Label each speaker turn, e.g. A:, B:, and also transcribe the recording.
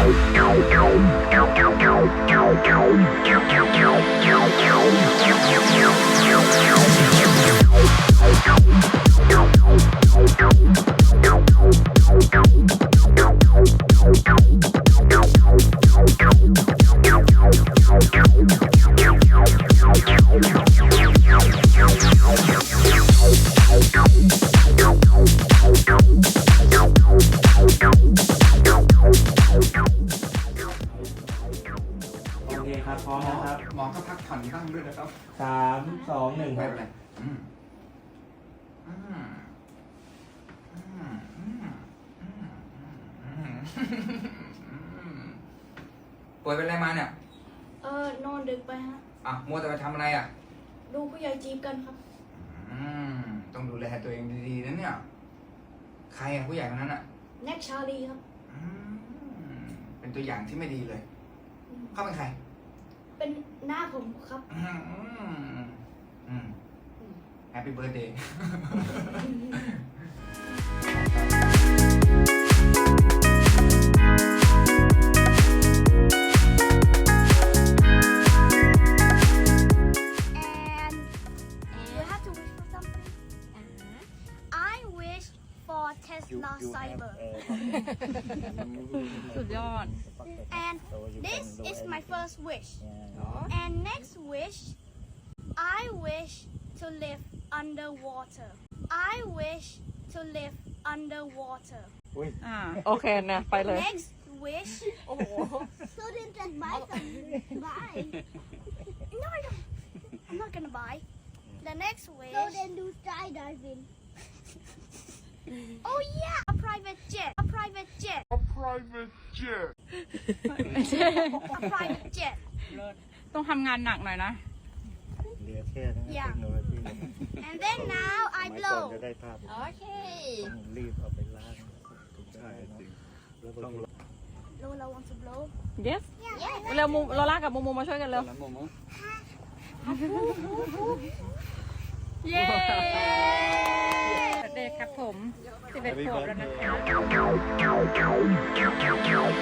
A: ครับพร้อมนะครับ
B: หมอก็พักผ่อนบ้างด้วยนะครับ
A: 3 2 1
B: ไม่
A: ครับ
B: เป็นไรป่วยเป็นอะไรมาเนี่ย
C: นอนดึกไปฮะ
B: มัวแต่ไปทำอะไรอ่ะ
C: ดูผู้ใหญ่จีบกันครับ
B: ต้องดูแลตัวเองดีๆนะเนี่ยใครอ่ะผู้ใหญ่คนนั้นอ่ะ
C: แน็กชาลีครับ
B: เป็นตัวอย่างที่ไม่ดีเลยเขาเป็นใคร
C: เป็นหน้าผมครับ
B: แฮปปี้เบิร์ธเดย์
C: Tesla Cyber
D: สุดยอด
C: and this is my first wish and next wish I wish to live underwater I wish to live underwater
D: โอเคนะไปเลย
C: next wish โอ้โห so then just buy some buy no I don't I'm not gonna buy the next wish so then do skydiving Oh yeah, a private jet. A private jet.
E: A private jet.
C: A private jet.
D: ต้องทำงานหนักหน่อยนะ
F: เหลือแค่นั้น
C: Yeah.
F: เทคโนโลยี
C: And then now I
F: สมัยก่อน
C: blow.
F: จะได้ภาพ
C: Okay.
F: ต้องรีบเอาไปล้างใช่จริงแล้วต้อง
C: Lola wants to blow.
D: yes
C: Yeah.
D: เร็วโลล่ากับมูมาช่วยกันเร็วเย้เด็กครับผม11 ขวบแล้วนะคะ